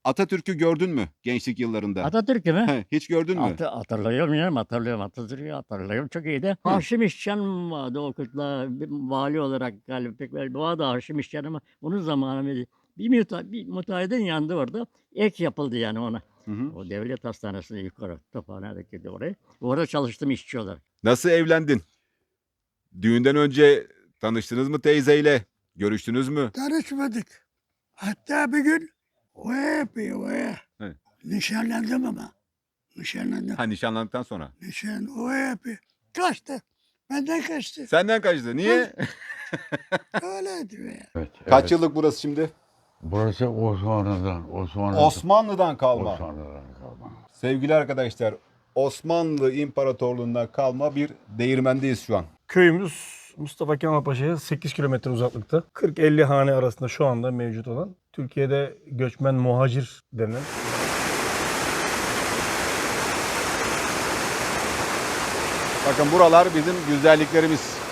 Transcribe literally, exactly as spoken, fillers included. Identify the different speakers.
Speaker 1: Atatürk'ü gördün mü gençlik yıllarında?
Speaker 2: Atatürk'ü mü?
Speaker 1: He, hiç gördün mü?
Speaker 2: Hatı hatırlıyorum canım, hatırlıyorum. Atatürk'ü hatırlıyorum. Çok iyiydi.
Speaker 1: Hı.
Speaker 2: Haşim İşcan vardı o kırkla vali olarak galiba pek belli. O da Haşim İşcan ama onun zamanı mıydı? Bir, müte, bir müteahhidin yanında orada ek yapıldı yani ona.
Speaker 1: Hı hı.
Speaker 2: O devlet hastanesine yukarı Tophane'deki de oraya. Orada çalıştım işçi olarak.
Speaker 1: Nasıl evlendin? Düğünden önce tanıştınız mı teyzeyle? Görüştünüz mü?
Speaker 3: Tanışmadık. Hatta bir gün oya yapıyor oya.
Speaker 1: Evet.
Speaker 3: Nişanlandım ama. Nişanlandım.
Speaker 1: Ha, nişanlandıktan sonra.
Speaker 3: Nişan oya yapıyor. Kaçtı. Benden kaçtı.
Speaker 1: Senden kaçtı. Niye?
Speaker 3: Öyleydi be.
Speaker 4: Evet,
Speaker 1: Kaç
Speaker 4: evet.
Speaker 1: yıllık burası şimdi?
Speaker 4: Burası Osmanlı'dan. Osmanlı'dan.
Speaker 1: Osmanlı'dan kalma.
Speaker 4: Osmanlı'dan kalma.
Speaker 1: Sevgili arkadaşlar, Osmanlı İmparatorluğu'ndan kalma bir değirmendeyiz şu an.
Speaker 5: Köyümüz Mustafa Kemal Paşa'ya sekiz kilometre uzaklıkta. kırk elli hane arasında şu anda mevcut olan. Türkiye'de göçmen muhacir denilen.
Speaker 1: Bakın buralar bizim güzelliklerimiz.